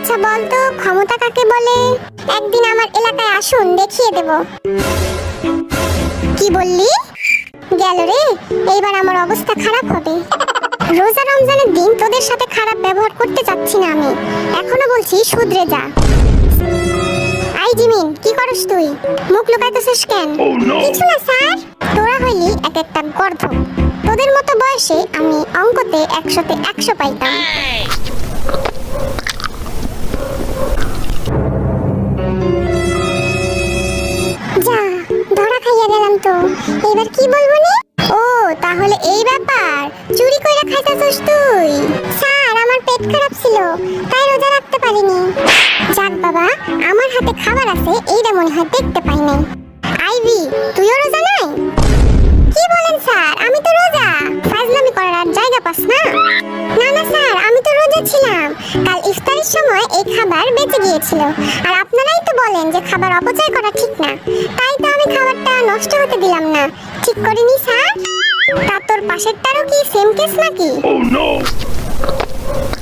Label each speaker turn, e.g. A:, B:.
A: আচ্ছা বলতো ক্ষমতা কাকে বলে? একদিন আমার এলাকায় আসুন, দেখিয়ে দেব। কি বললি? গেল রে, এইবার আমার অবস্থা খারাপ হবে। রোজা রমজানের দিন তোদের সাথে খারাপ ব্যবহার করতে চাচ্ছি না আমি, এখনো বলছি শুধরে যা। আই জিমিন, কি করস তুই? মুখ লুকাইতেছিস কেন? কিছু না স্যার। তোরা হইলি এক একটা গর্ধ। তোদের মতো বয়সে আমি অঙ্কতে 100-তে 100 পাইতাম। যা, ধরা খাইয়া গেলাম তো। এবার কি বলবো নি? ও তাহলে এই ব্যাপার, চুরি কইরা খাইতাছস তুই? স্যার, আমার পেট খারাপ ছিল, তাই রোজা রাখতে পারিনি। যাক বাবা, আমার হাতে খাবার আছে, এইটা মনে হয় দেখতে পাই নাই। আইভি, তুইও রোজা নাই? কি বলেন স্যার, আমি তো রোজা। ফাজলামি করার আর জায়গা পাস না? না না স্যার, আমি তো রোজা ছিলাম। কাল ইফতারের সময় এই খাবার বেঁচে গিয়েছিল, আর আপনারাই তো বলেন যে খাবার অপচয় করা ঠিক না, তাই তো আমি খাবারটা নষ্ট হতে দিলাম না। ঠিক করিনি স্যার? তা তোর পাশেরটারও কি সেম কেস নাকি?